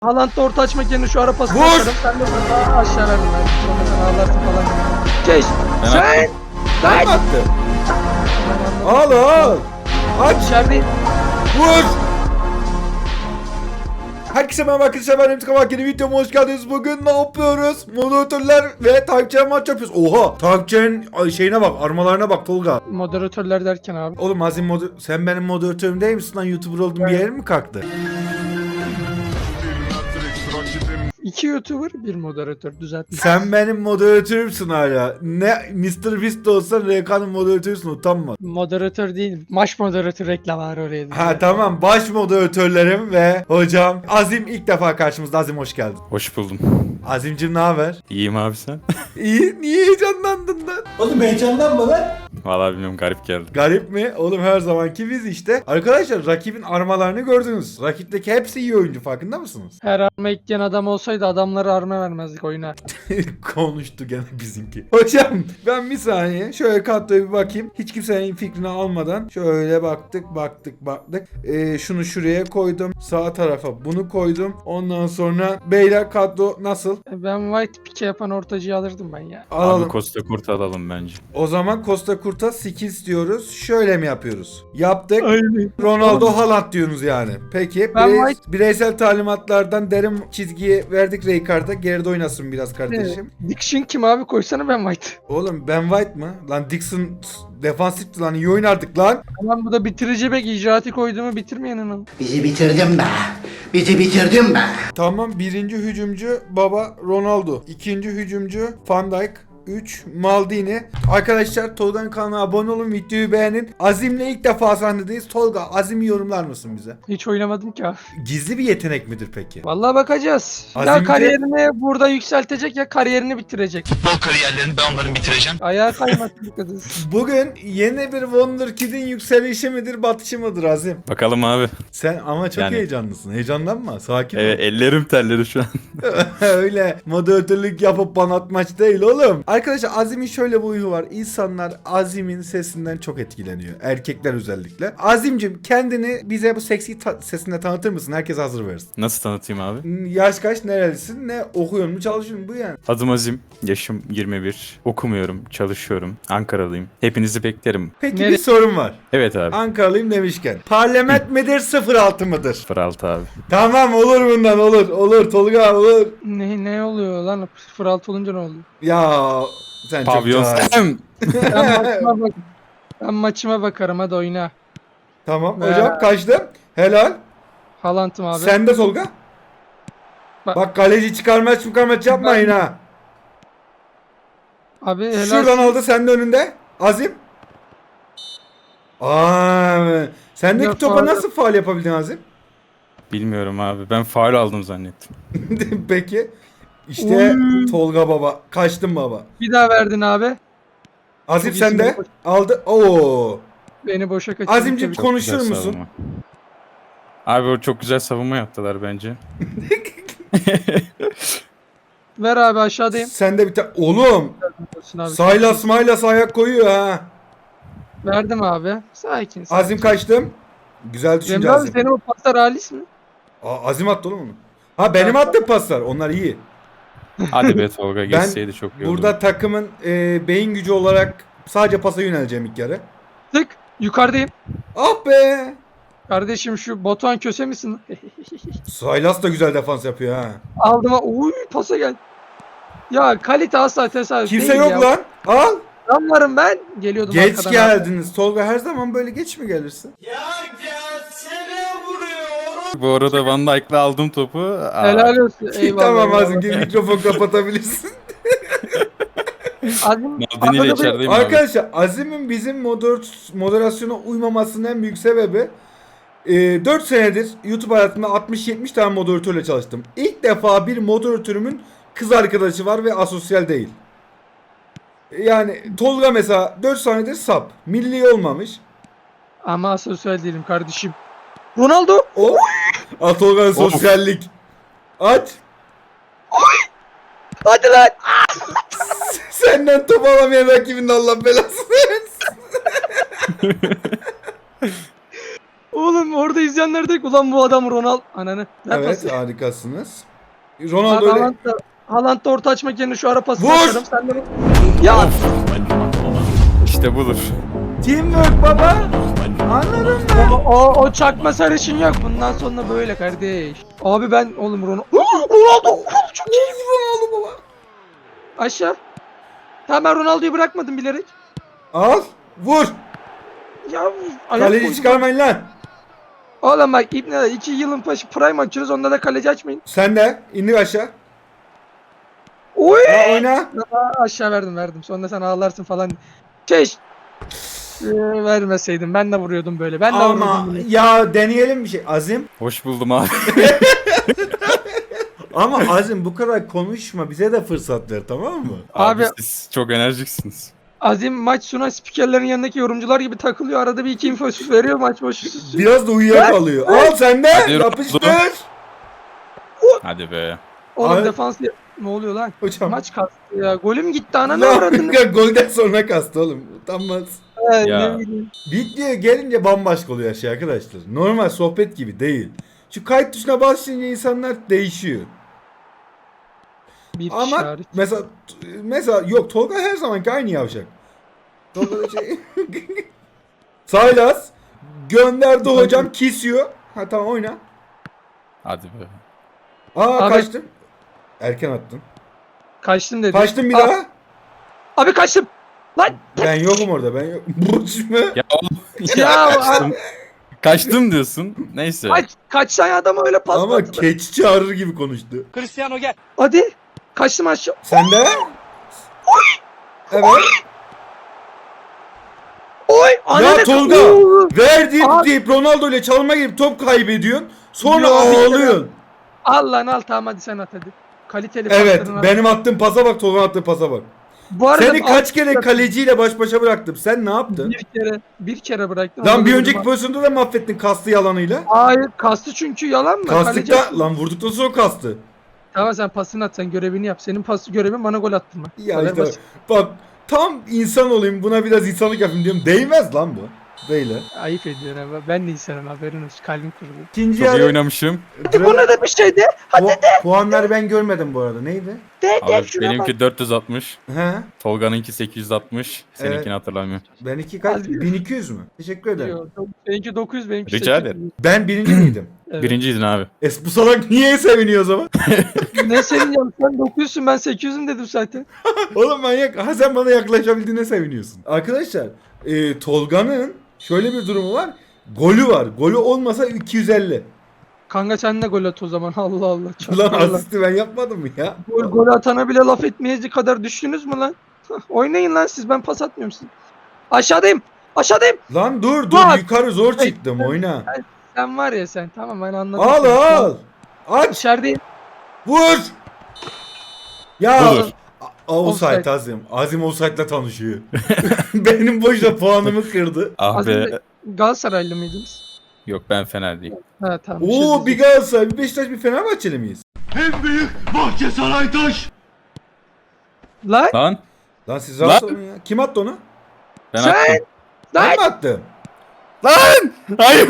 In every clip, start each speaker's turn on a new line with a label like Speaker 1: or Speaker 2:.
Speaker 1: Haaland da orta açmak yerine şu ara pası
Speaker 2: Vur!
Speaker 1: atarım. Sen de burada aşağı verdin. Sonra sen ağlarsın falan. Geç. Sen.
Speaker 2: Ben
Speaker 1: Lan.
Speaker 2: attım. Al al. Aç.
Speaker 1: İçeride.
Speaker 2: Vur. Herkese merhaba arkadaşlar, ben Emre Kabak, yeni videoma hoş geldiniz. Bugün ne yapıyoruz? Moderatörler ve takipçiler maç yapıyoruz. Oha, takipçilerin şeyine bak, armalarına bak Tolga.
Speaker 1: Moderatörler derken abi.
Speaker 2: Oğlum Azim sen benim moderatörüm değil misin lan? YouTuber oldum bir yerim mi kalktı?
Speaker 1: 2 YouTuber, bir moderatör düzeltmiş.
Speaker 2: Sen benim moderatörümsün hala. Ne Mr. Beast de olsan RK'nın moderatörüsün, utanma.
Speaker 1: Moderatör değil, maç moderatör reklam var oraya.
Speaker 2: Ha tamam, baş moderatörlerim ve hocam Azim ilk defa karşımızda. Azim hoş geldin.
Speaker 3: Hoş buldum.
Speaker 2: Azimcim ne haber?
Speaker 3: İyiyim abi sen?
Speaker 2: İyi, niye heyecanlandın lan?
Speaker 4: Oğlum heyecanlanma lan.
Speaker 3: Vallahi bilmiyorum, garip geldi.
Speaker 2: Garip mi? Oğlum her zamanki biz işte. Arkadaşlar rakibin armalarını gördünüz. Rakipteki hepsi iyi oyuncu, farkında mısınız?
Speaker 1: Her arma ekleyen adam olsaydı adamları arma vermezdik oyuna.
Speaker 2: Konuştu gene bizimki. Hocam ben bir saniye şöyle kadroya bir bakayım. Hiç kimsenin fikrini almadan şöyle baktık. Şunu şuraya koydum. Sağ tarafa bunu koydum. Ondan sonra beyler kadro nasıl?
Speaker 1: Ben White pike yapan ortacıyı alırdım ben ya.
Speaker 2: Alalım.
Speaker 3: Abi Costa Curta alalım bence.
Speaker 2: O zaman Costa Curta skills diyoruz. Şöyle mi yapıyoruz? Yaptık.
Speaker 1: Aynen.
Speaker 2: Ronaldo Haaland diyorsunuz yani. Peki
Speaker 1: Ben
Speaker 2: bireysel talimatlardan derin çizgiye verdik Rijkaard'a. Geride oynasın biraz kardeşim.
Speaker 1: Dixon kim abi, koysana ben White.
Speaker 2: Oğlum Ben White mı? Lan Dixon defansifti lan, iyi oynardık lan.
Speaker 1: Tamam, bu da bitirici bek, icraatı koyduğumu bitirmeyenin onu.
Speaker 4: Bizi bitirdin be. Bizi bitirdin be.
Speaker 2: Tamam, birinci hücumcu baba Ronaldo. İkinci hücumcu Van Dijk. 3 Maldini. Arkadaşlar Tolga'nın kanalına abone olun, videoyu beğenin. Azim'le ilk defa sahnedeyiz. Tolga, Azim'i yorumlar mısın bize?
Speaker 1: Hiç oynamadım ki abi.
Speaker 2: Gizli bir yetenek midir peki?
Speaker 1: Vallahi bakacağız. Ya
Speaker 2: Azimce-
Speaker 1: kariyerini burada yükseltecek ya kariyerini bitirecek.
Speaker 5: Futbol kariyerlerini ben onların bitireceğim.
Speaker 1: Ayağa kaymasın bu kadın.
Speaker 2: Bugün yeni bir Wonderkid'in yükselişi midir, batışı mıdır Azim?
Speaker 3: Bakalım abi.
Speaker 2: Sen ama çok
Speaker 3: Yani-
Speaker 2: heyecanlısın. Heyecanlanma. Sakin ol.
Speaker 3: Evet, ellerim terledi şu an.
Speaker 2: Öyle moderatörlük yapıp bana atmaç değil oğlum. Arkadaşlar Azim'in şöyle bir huyu var. İnsanlar Azim'in sesinden çok etkileniyor. Erkekler özellikle. Azim'cim kendini bize bu seksi sesinde tanıtır mısın? Herkes hazır versin.
Speaker 3: Nasıl tanıtayım abi?
Speaker 2: Yaş kaç, nerelisin, ne okuyorsun mu, çalışıyorsun mu, bu yani.
Speaker 3: Adım Azim. Yaşım 21. Okumuyorum, çalışıyorum. Ankaralıyım. Hepinizi beklerim.
Speaker 2: Peki
Speaker 1: Nereye?
Speaker 2: bir sorum var.
Speaker 3: Evet abi.
Speaker 2: Ankaralıyım demişken. Parlament midir 06 mıdır?
Speaker 3: 06 abi.
Speaker 2: Tamam, olur bundan, olur. Olur Tolga, olur.
Speaker 1: Ne oluyor lan? 06 olunca ne oluyor?
Speaker 2: Ya sen
Speaker 3: Pavyon.
Speaker 2: çok cahil.
Speaker 1: Ben maçıma bakarım, hadi oyna.
Speaker 2: Tamam hocam, kaçtım. Helal.
Speaker 1: Haaland'ım abi.
Speaker 2: Sen de Tolga.
Speaker 1: Bak-
Speaker 2: Bak kaleci çıkarmaç yapmayın ha.
Speaker 1: Abi helal.
Speaker 2: Şuradan aldı, sen de önünde. Azim. Sendeki
Speaker 1: Ya
Speaker 2: topa
Speaker 1: faul-
Speaker 2: nasıl faul yapabildin Azim?
Speaker 3: Bilmiyorum abi. Ben faul aldım zannettim.
Speaker 2: Peki. İşte
Speaker 1: Oy.
Speaker 2: Tolga baba. Kaçtın baba.
Speaker 1: Bir daha verdin abi.
Speaker 2: Azim
Speaker 1: Çok
Speaker 2: sen de.
Speaker 1: iyisin.
Speaker 2: Aldı. Oo.
Speaker 1: Beni boşa kaçırdın.
Speaker 2: Azimciğim,
Speaker 1: tabii.
Speaker 2: konuşur
Speaker 3: Güzel
Speaker 2: musun?
Speaker 3: savunma. Abi o çok güzel savunma yaptılar bence.
Speaker 1: Ver abi, aşağıdayım.
Speaker 2: Sen de bir tane. Oğlum.
Speaker 1: Abi.
Speaker 2: Saylas ayak koyuyor ha.
Speaker 1: Verdim abi. Sakin.
Speaker 2: Azim kaçtım. Güzel düşünce
Speaker 1: Cemre abi,
Speaker 2: Azim.
Speaker 1: senin o paslar halis mi?
Speaker 2: Azim attı oğlum onu. Ha, benim attığım paslar. Onlar iyi.
Speaker 3: Hadi be Tolga, geçseydi çok iyi olurdu.
Speaker 2: Burada takımın beyin gücü olarak sadece pasa yöneleceğim ilk yarı.
Speaker 1: Tık. Yukarıdayım.
Speaker 2: Ah be.
Speaker 1: Kardeşim şu Batuhan Köse misin?
Speaker 2: Saylas da güzel defans yapıyor ha.
Speaker 1: Aldım ha. Uy, pasa gel. Ya kalite asla tesadüf
Speaker 2: Kimse
Speaker 1: değil
Speaker 2: yok
Speaker 1: ya.
Speaker 2: lan. Al.
Speaker 1: Ben varım ben. Geliyordum
Speaker 2: Geç
Speaker 1: arkadan
Speaker 2: geldiniz. Tolga, her zaman böyle geç mi gelirsin?
Speaker 3: Bu arada Van Dijk'la aldım topu.
Speaker 1: abi. Helal olsun. Eyvallah.
Speaker 2: Tamam
Speaker 1: eyvallah.
Speaker 2: Azim, gel mikrofon kapatabilirsin.
Speaker 1: Azim,
Speaker 3: Maldini ile
Speaker 1: arada
Speaker 3: içerideyim abi.
Speaker 2: Arkadaşlar Azim'in bizim moderasyona uymamasının en büyük sebebi 4 senedir YouTube hayatımda 60-70 tane moderatörle çalıştım. İlk defa bir moderatörümün kız arkadaşı var ve asosyal değil. Yani Tolga mesela 4 senedir sap. Milli olmamış.
Speaker 1: Ama sosyal değilim kardeşim. Ronaldo.
Speaker 2: O Tolga'nın sosyallik. Aç.
Speaker 1: Hadi lan.
Speaker 2: Senden top alamayan rakibinin Allah belasını versin.
Speaker 1: Oğlum orada izleyenler de ulan bu adam Ronaldo. Ananı. Ver
Speaker 2: Evet
Speaker 1: pası.
Speaker 2: harikasınız.
Speaker 1: Bak,
Speaker 2: Ronaldo öyle.
Speaker 1: Haaland da orta açmak yerine şu ara pası
Speaker 2: Vur!
Speaker 1: atarım. Sen de ya
Speaker 3: İşte budur.
Speaker 2: Teamwork baba. Anladın mı?
Speaker 1: o çakma sarışın yok. Bundan sonra böyle kardeş. Abi ben oğlum Ronaldo çok iyi.
Speaker 2: Ronaldo baba.
Speaker 1: Aşağı. Tamam ben Ronaldo'yu bırakmadım bilerek.
Speaker 2: Al. Vur.
Speaker 1: Ya ayak
Speaker 2: Kaleci
Speaker 1: koydum.
Speaker 2: çıkarmayın lan.
Speaker 1: Oğlum bak İbni 2 yılın başı prime açıyoruz. Onda da kaleci açmayın.
Speaker 2: Sen de indir aşağı.
Speaker 1: Oy.
Speaker 2: Ha, oyna.
Speaker 1: Aşağı verdim. Sonra sen ağlarsın falan. Keş. Vermeseydim ben de vuruyordum böyle. Ben de
Speaker 2: Ama
Speaker 1: vuruyordum.
Speaker 2: ya deneyelim bir şey. Azim.
Speaker 3: Hoş buldum abi.
Speaker 2: Ama Azim bu kadar konuşma. Bize de fırsat ver tamam mı?
Speaker 3: Abi,
Speaker 1: Abi-
Speaker 3: siz çok enerjiksiniz.
Speaker 1: Azim maç sonu spikerlerin yanındaki yorumcular gibi takılıyor. Arada bir iki info veriyor maç başı.
Speaker 2: Biraz da uyuyakalıyor. Al sen de.
Speaker 3: Hadi
Speaker 2: Yapıştır.
Speaker 3: Hadi be.
Speaker 1: Oğlum
Speaker 2: Abi-
Speaker 1: defans ne oluyor lan?
Speaker 2: Hocam.
Speaker 1: Maç kastı ya. Golüm gitti ananı
Speaker 2: Lan,
Speaker 1: avradını.
Speaker 2: golden sonra kastı oğlum. Utanmaz.
Speaker 3: Ya.
Speaker 1: Ne bileyim.
Speaker 2: Videoya gelince bambaşka oluyor şey arkadaşlar. Normal sohbet gibi değil. Şu kayıt tuşuna basınca insanlar değişiyor.
Speaker 1: Bir
Speaker 2: Ama
Speaker 1: işaret.
Speaker 2: mesela yok Tolga her zamanki aynı yavşak. Tolga da şey. Saylas gönderdi hocam kesiyor. Ha tamam oyna.
Speaker 3: Hadi be.
Speaker 2: Aa
Speaker 1: Abi-
Speaker 2: kaçtım. Erken attın.
Speaker 1: Kaçtım dedi.
Speaker 2: Kaçtım bir
Speaker 1: Aa,
Speaker 2: daha.
Speaker 1: Abi kaçtım. Lan.
Speaker 2: Ben yokum orada ben yok. Burç mu?
Speaker 3: Ya oğlum.
Speaker 1: Ya,
Speaker 3: kaçtım. Kaçtım diyorsun. Neyse.
Speaker 1: kaç tane adama öyle pas
Speaker 2: Ama
Speaker 1: attılar.
Speaker 2: keçi çağırır gibi konuştu.
Speaker 1: Hadi. Kaçtım aşağı.
Speaker 2: Sen de? Evet.
Speaker 1: Oy.
Speaker 2: Ya
Speaker 1: ananı-
Speaker 2: Tolga
Speaker 1: Oo.
Speaker 2: ver deyip
Speaker 1: Abi-
Speaker 2: deyip Ronaldo ile çalma gibi top kaybediyorsun. Sonra
Speaker 1: Yo, bir kere-
Speaker 2: ağlıyorsun.
Speaker 1: Al lan al tamam hadi sen at hadi. Kaliteli
Speaker 2: Evet
Speaker 1: paslarını
Speaker 2: benim attığım pasa bak Tolga'nın attığı pasa bak.
Speaker 1: Bu arada
Speaker 2: Seni kaç
Speaker 1: alt-
Speaker 2: kere kaleciyle baş başa bıraktım. Sen ne yaptın?
Speaker 1: bir kere bıraktım.
Speaker 2: Lan
Speaker 1: Onu
Speaker 2: bir
Speaker 1: da
Speaker 2: önceki
Speaker 1: vurdum.
Speaker 2: pozisyonda da mahvettin kastı yalanıyla.
Speaker 1: Hayır kastı çünkü yalan mı? Kaleci-
Speaker 2: Kastıkta lan vurduktan sonra kastı.
Speaker 1: Tamam sen pasını at sen görevini yap. Senin pası görevin bana gol attırma.
Speaker 2: Ya
Speaker 1: Kadar
Speaker 2: işte
Speaker 1: basit.
Speaker 2: bak tam insan olayım buna biraz insanlık yapayım diyorum. Değmez lan bu. Böyle.
Speaker 1: Ayıp ediyorsun ama ben de insanım haberin olsun. Kalbim kırıldı.
Speaker 2: İkinci
Speaker 3: Çok iyi
Speaker 2: yarı
Speaker 3: oynamışım.
Speaker 1: Bu ne de bir şeydi?
Speaker 2: puanları ben görmedim bu arada. Neydi?
Speaker 3: Abi benimki 460.
Speaker 2: He?
Speaker 3: Tolga'nınki 860. Seninkini
Speaker 2: Evet.
Speaker 3: hatırlamıyorum.
Speaker 2: Benimki kaç?
Speaker 1: Hadi.
Speaker 2: 1200 mü? Teşekkür ederim.
Speaker 1: Benimki 900 benimki
Speaker 3: Rica
Speaker 1: 800.
Speaker 3: ederim.
Speaker 2: Ben birinci miydim?
Speaker 1: Evet.
Speaker 3: Birinciydin abi.
Speaker 2: Bu salak niye seviniyor o zaman?
Speaker 1: Ne senin ya sen 900'sün ben 800'üm dedim zaten.
Speaker 2: Oğlum manyak. Ha sen bana yaklaşabildiğine seviniyorsun. Arkadaşlar Tolga'nın şöyle bir durumu var. Golü var. Golü olmasa 250.
Speaker 1: Kanka sen de gol at o zaman Allah Allah.
Speaker 2: Lan
Speaker 1: Allah.
Speaker 2: asisti ben yapmadım mı ya?
Speaker 1: Gol atana bile laf etmeyecek kadar düştünüz mü lan? Oynayın lan siz ben pas atmıyorum size. Aşağıdayım. Aşağıdayım.
Speaker 2: Lan dur
Speaker 1: Bak.
Speaker 2: yukarı zor çıktım oyna.
Speaker 1: Sen var ya sen tamam ben anladım.
Speaker 2: Al
Speaker 1: seni.
Speaker 2: al. Aç.
Speaker 1: İçerideyim.
Speaker 2: Vur. Ya.
Speaker 3: Budur.
Speaker 2: Offside
Speaker 1: Offside.
Speaker 2: Azim. Azim offside'la tanışıyor. Benim boşta puanımı kırdı.
Speaker 3: Ah
Speaker 1: Az
Speaker 3: be.
Speaker 1: önce Galatasaraylı mıydınız?
Speaker 3: Yok ben fena değil.
Speaker 1: Ha tamam.
Speaker 2: Oo bir Galatasaray, bir Beşiktaş, bir Fenerbahçeli miyiz?
Speaker 4: En büyük Bahçesaray taş.
Speaker 1: Lan
Speaker 3: Lan
Speaker 2: Lan siz
Speaker 3: Lan.
Speaker 2: rahatsız olun ya. Kim attı onu?
Speaker 3: ben
Speaker 1: Sen-
Speaker 3: attım.
Speaker 2: Ben
Speaker 1: lan
Speaker 2: mi attım?
Speaker 3: Lan! Hayır.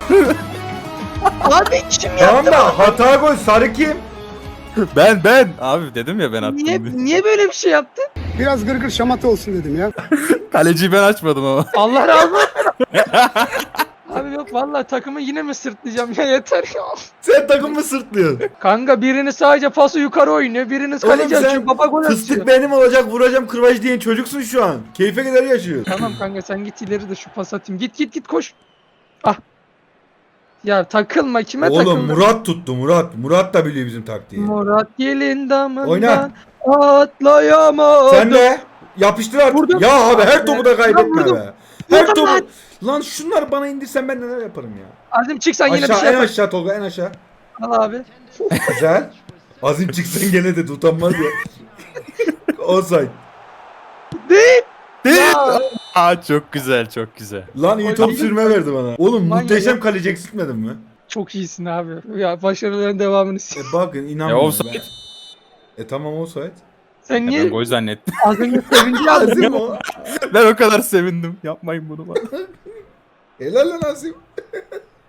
Speaker 1: abi kim
Speaker 2: Tamam
Speaker 1: yaptı?
Speaker 2: da hata gol sarı kim?
Speaker 3: Ben. Abi dedim ya ben attım diye.
Speaker 1: Niye böyle bir şey yaptın?
Speaker 6: Biraz gırgır şamata olsun dedim ya.
Speaker 3: Kaleciyi ben açmadım ama.
Speaker 1: Allah razı olsun. Abi yok vallahi takımı yine mi sırtlayacağım ya yeter ya.
Speaker 2: Sen takımı sırtlıyorsun.
Speaker 1: Kanka biriniz sadece pası yukarı oynuyor, biriniz
Speaker 2: Oğlum
Speaker 1: kaleci
Speaker 2: sen
Speaker 1: açıyor, baba gol
Speaker 2: fıstık
Speaker 1: atıyor.
Speaker 2: benim olacak vuracağım kırbaç diyen çocuksun şu an. Keyfe kadar yaşıyorsun.
Speaker 1: Tamam kanka sen git ileri de şu pas atayım. Git koş. Ah. Ya takılma kime
Speaker 2: Oğlum
Speaker 1: takılma.
Speaker 2: Murat tuttu Murat. Murat da biliyor bizim taktiği.
Speaker 1: Murat gelin damından
Speaker 2: Oyna.
Speaker 1: atlayamadım.
Speaker 2: Sen de yapıştır artık.
Speaker 1: Vurdum.
Speaker 2: Ya abi her topu da kaybetme
Speaker 1: Vurdum.
Speaker 2: be. Her
Speaker 1: Vurdum
Speaker 2: topu.
Speaker 1: lan.
Speaker 2: Lan şunları bana indirsen ben neler yaparım ya.
Speaker 1: Azim çık sen yine bir
Speaker 2: Aşağı
Speaker 1: şey
Speaker 2: en
Speaker 1: yap.
Speaker 2: aşağı Tolga en aşağı.
Speaker 1: Al abi.
Speaker 2: Güzel. Azim çıksan gene de utanmaz ya. Offside.
Speaker 1: Değil.
Speaker 3: Aa çok güzel çok güzel.
Speaker 2: Lan iyi top sürme verdi bana. Oğlum
Speaker 1: Manyak
Speaker 2: muhteşem
Speaker 1: ya.
Speaker 2: kaleci eksiltmedin mi?
Speaker 1: Çok iyisin abi. Ya başarıların devamını
Speaker 2: Bakın
Speaker 3: Ya
Speaker 2: inanmıyorum
Speaker 3: offside.
Speaker 2: ben. Tamam offside.
Speaker 1: Sen
Speaker 3: Ya ben
Speaker 1: niye
Speaker 3: gol zannettim.
Speaker 1: az önce sevinci aldın?
Speaker 2: Azim o.
Speaker 3: Ben o kadar sevindim. Yapmayın bunu bana.
Speaker 2: Helal lan Azim.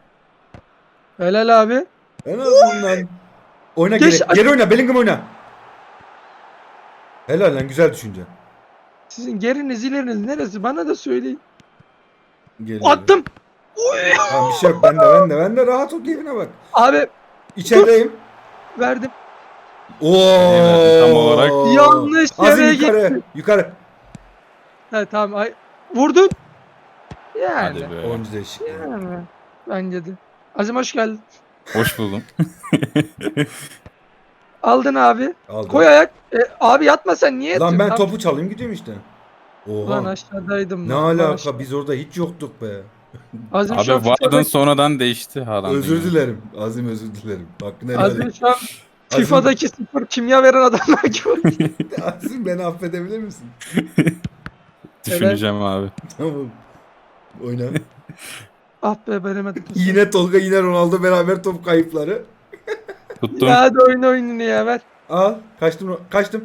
Speaker 1: Helal abi.
Speaker 2: En azından. Oyna
Speaker 1: Geç-
Speaker 2: geri oyna. Bellingham oyna. Helal lan, güzel düşünce.
Speaker 1: Sizin geriniz ileriniz neresi? Bana da söyleyin.
Speaker 2: Geliyor.
Speaker 1: Attım.
Speaker 2: Tamam, bir şey yok. Ben de rahat ol, keyfine bak.
Speaker 1: Abi
Speaker 2: İçerideyim.
Speaker 1: verdim.
Speaker 2: Oo.
Speaker 3: Tam olarak.
Speaker 1: Yanlış
Speaker 2: Azim
Speaker 1: yere
Speaker 2: yukarı.
Speaker 1: gitti.
Speaker 2: Yukarı.
Speaker 1: He tamam. Vurdun. Yani.
Speaker 3: Hadi be.
Speaker 2: Oyuncu değişikliği.
Speaker 1: Yani. Bence de. Azim hoş geldin.
Speaker 3: Hoş buldum.
Speaker 1: Aldın abi.
Speaker 2: Aldım.
Speaker 1: Koy ayak. Abi yatma sen niye
Speaker 2: Lan
Speaker 1: yatıyorsun?
Speaker 2: ben
Speaker 1: Tamam.
Speaker 2: topu çalayım gidiyorum işte.
Speaker 1: Ulan
Speaker 2: Oha.
Speaker 1: aşağıdaydım.
Speaker 2: Ne
Speaker 1: lan.
Speaker 2: alaka? Biz orada hiç yoktuk be.
Speaker 1: Azim
Speaker 3: Abi
Speaker 1: şu an
Speaker 3: Vardın
Speaker 1: FIFA'daki,
Speaker 3: sonradan değişti Haaland'ın.
Speaker 2: Özür
Speaker 3: ya.
Speaker 2: dilerim. Azim özür dilerim. Hakkını helal
Speaker 1: Azim
Speaker 2: et.
Speaker 1: şu an FIFA'daki sıfır kimya veren adamlar gibi.
Speaker 2: Azim, beni affedebilir misin?
Speaker 3: Düşüneceğim abi.
Speaker 2: Tamam. Oyna.
Speaker 1: Ah be veremedim.
Speaker 2: Yine Tolga, yine Ronaldo beraber top kayıpları.
Speaker 3: Tuttum.
Speaker 1: Ya hadi oyna oyununu ya ver.
Speaker 2: Al. Kaçtım.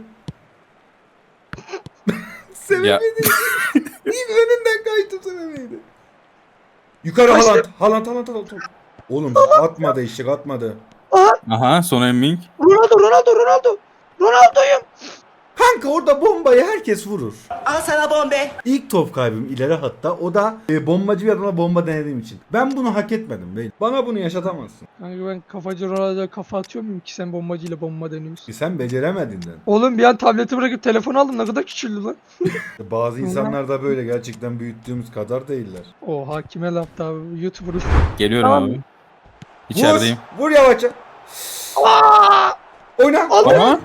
Speaker 3: Ya,
Speaker 2: Sevemedi. İlk önünden kaçtım, sevemedi. Yukarı
Speaker 1: Kaçtım.
Speaker 2: Haaland. Oğlum atmadı, eşek atmadı.
Speaker 3: aha son emming.
Speaker 1: Ronaldo'yum.
Speaker 2: Kanka orada bombayı herkes vurur.
Speaker 7: Al sana bombe.
Speaker 2: İlk top kaybım ileri hatta, o da bombacı bir adama bomba denediğim için. Ben bunu hak etmedim beyim. Bana bunu yaşatamazsın.
Speaker 1: Kanka ben kafacı Ronaldo'ya kafa atıyor muyum ki sen bombacıyla bomba deniyorsun?
Speaker 2: Sen beceremedinden.
Speaker 1: Oğlum bir an tableti bırakıp telefonu aldım ne kadar küçüldü lan.
Speaker 2: Bazı insanlar da böyle, gerçekten büyüttüğümüz kadar değiller.
Speaker 1: Oha kime laf abi YouTuber'ız.
Speaker 3: Geliyorum
Speaker 1: Tamam.
Speaker 3: abi. İçerideyim.
Speaker 2: Vur yavaşça. Oyna.
Speaker 3: Ama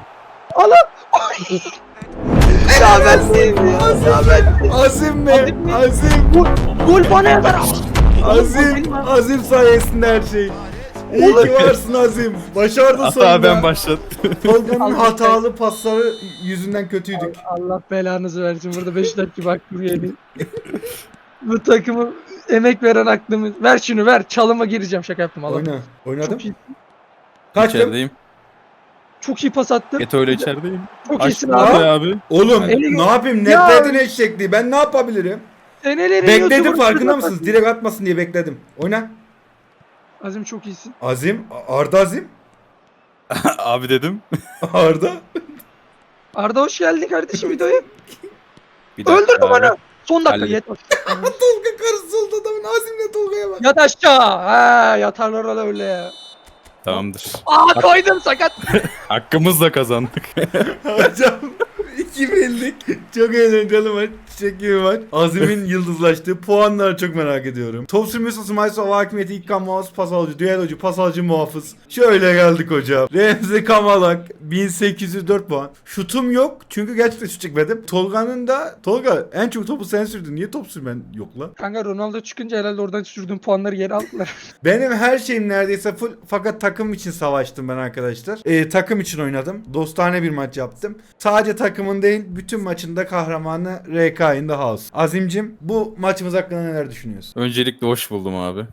Speaker 1: Ya ben değilim ya.
Speaker 2: Azim mi?
Speaker 1: Azim mi?
Speaker 2: Azim.
Speaker 1: Gol bana yazar.
Speaker 2: Azim sayesinde her şey. İyi ki varsın Azim. Başardı
Speaker 3: hatta
Speaker 2: sonunda.
Speaker 3: ben başlattım.
Speaker 2: Tolga'nın
Speaker 1: Allah
Speaker 2: hatalı pasları yüzünden kötüydük.
Speaker 1: Allah belanızı versin. Burada 5 dakika bak buraya. Bu takımı emek veren aklımı. Ver şunu ver. Çalıma gireceğim. Şaka yaptım. Allah.
Speaker 2: Oyna. Oynadım.
Speaker 1: Çok iyi.
Speaker 2: Kaçtım.
Speaker 3: İçerideyim.
Speaker 1: Çok iyi pas attım.
Speaker 3: Eto ile içerideyim.
Speaker 1: Çok iyisin
Speaker 3: Açtım
Speaker 1: abi.
Speaker 3: abi.
Speaker 2: Oğlum
Speaker 1: Eli-
Speaker 2: ne yapayım?
Speaker 1: Ya-
Speaker 2: Netledin eşekliği. Ben ne yapabilirim?
Speaker 1: Senelerin
Speaker 2: Bekledim,
Speaker 1: YouTuber
Speaker 2: farkında
Speaker 1: kızına
Speaker 2: mısınız?
Speaker 1: bak.
Speaker 2: Direkt atmasın diye bekledim. Oyna.
Speaker 1: Azim çok iyisin.
Speaker 2: Azim. Arda Azim.
Speaker 3: Abi dedim.
Speaker 2: Arda.
Speaker 1: Arda hoş geldin kardeşim videoya.
Speaker 3: Bir dakika
Speaker 1: Öldürdüm
Speaker 3: abi.
Speaker 1: onu. Son dakika
Speaker 3: Halledin.
Speaker 1: yet.
Speaker 2: Tolga karısı oldu adamın. Azim'le Tolga'ya bak.
Speaker 1: Yat aşağı. Ha yatarlar öyle öyle ya.
Speaker 3: Tamamdır.
Speaker 1: Aa koydum sakat.
Speaker 3: Hakkımızla kazandık.
Speaker 2: Hocam 2-1'lik çok eğlenceli maç. Çiçek gibi maç. Azim'in yıldızlaştığı puanları çok merak ediyorum. Top sürmesi ısınmaysa hava hakimiyeti, ilk kan muhafız, pas alıcı, düellocu, pas alıcı muhafız. Şöyle geldik hocam. Remzi Kamalak 1804 puan. Şutum yok çünkü gerçekten şut çekmedim. Tolga'nın da, Tolga en çok topu sen sürdün. Niye top sürmen yok lan?
Speaker 1: Kanka Ronaldo çıkınca herhalde oradan sürdüğüm puanları geri aldılar.
Speaker 2: Benim her şeyim neredeyse full, fakat takım için savaştım ben arkadaşlar. Takım için oynadım. Dostane bir maç yaptım. Sadece takımın değil, bütün maçında kahramanı RK in the house. Azimcim, bu maçımız hakkında neler düşünüyorsun?
Speaker 3: Öncelikle hoş buldum abi.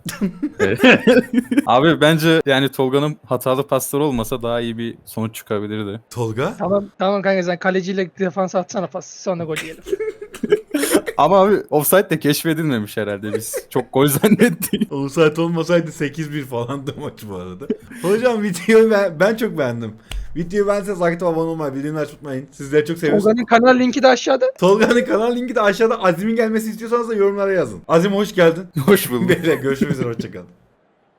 Speaker 3: Abi bence yani Tolga'nın hatalı pasları olmasa daha iyi bir sonuç çıkabilirdi.
Speaker 2: Tolga?
Speaker 1: Tamam kanka sen kaleciyle defans atsana pas. Sonra gol yiyelim.
Speaker 3: Ama abi offside de keşfedilmemiş herhalde biz. Çok gol zannettik.
Speaker 2: Offside olmasaydı 8-1 falandı maç bu arada. Hocam videoyu ben çok beğendim. Videoyu beğenseniz like atıp abone olmayı, bildirimleri açmayı unutmayın. Sizleri çok seviyoruz.
Speaker 1: Ozan'ın kanal linki de aşağıda.
Speaker 2: Tolga'nın kanal linki de aşağıda. Azim'in gelmesi istiyorsanız da yorumlara yazın. Azim hoş geldin.
Speaker 3: Hoş buldum.
Speaker 2: Beyler görüşmek üzere, hoşçakalın.